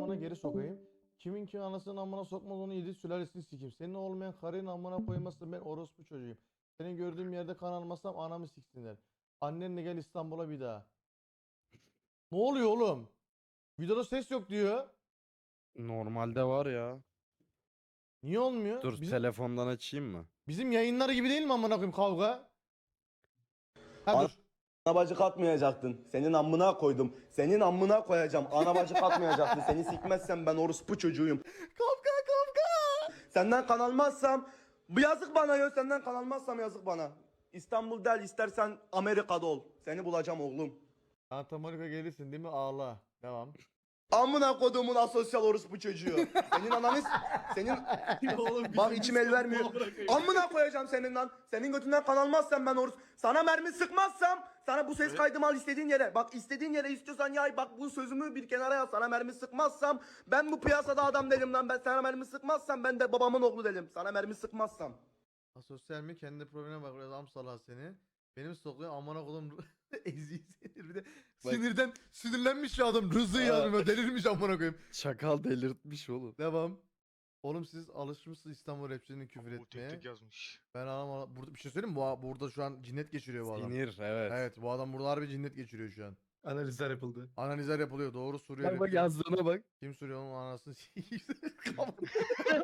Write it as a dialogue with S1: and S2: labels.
S1: amına geri sokayım. Kimin ki anasının amına sokmaz onu yedi sülalesini sikeyim. Senin olmayan karının amına koymazsın ben orospu çocuğuyum. Seni gördüğüm yerde kan almazsam anamı siksinler. Annenle gel İstanbul'a bir daha. Ne oluyor oğlum? Videoda ses yok diyor.
S2: Normalde var ya.
S1: Niye olmuyor?
S2: Dur telefondan açayım mı?
S1: Bizim yayınlar gibi değil mi amına koyayım kavga? Ha
S3: Ana-
S1: dur.
S3: Ana bacı katmayacaktın. Senin amına koydum. Senin amına koyacağım. Ana bacı katmayacaktın. Seni sikmezsem ben orospu çocuğuyum.
S1: Kavga kavga.
S3: Senden kan almazsam bu yazık bana ya. Senden kan almazsam yazık bana. İstanbul del istersen Amerika'da ol. Seni bulacağım oğlum.
S1: Santa Monica gelirsin değil mi? Ağla. Devam.
S3: Amına kodumun asosyal orospu çocuğu. Senin ananız senin bak içim el vermiyor. Amına koyacağım senin lan. Senin götünden kan almazsam ben orospu. Sana mermi sıkmazsam sana bu ses kaydımı al istediğin yere. Bak istediğin yere istiyorsan yay. Bak bu sözümü bir kenara yaz. Sana mermi sıkmazsam ben bu piyasada adam değilim lan. Ben sana mermi sıkmazsam ben de babamın oğlu değilim. Sana mermi sıkmazsam.
S1: Asosyal mi? Kendi problemine bak. Adam salak seni. Benim stokluyor amına kodum eziği sinir bir de
S2: Bak.
S1: sinirden sinirlenmiş ya adam Rızı yazmıyor delirmiş amına koyayım.
S2: Çakal delirtmiş oğlum.
S1: Devam. Oğlum siz alışmışsınız İstanbul rapçilerinin küfür
S4: Bu
S1: etmeye.
S4: tek tek yazmış.
S1: Ben ama burada bir şey söyleyeyim mi? Burada şu an cinnet geçiriyor bu adam.
S2: Sinir evet.
S1: Evet bu adam burada harbi cinnet geçiriyor şu an.
S5: Analizler yapıldı.
S1: Analizler yapılıyor doğru Suriye
S2: Bak bak
S1: rapçi.
S2: yazdığına bak.
S1: Kim Suriye onun anasını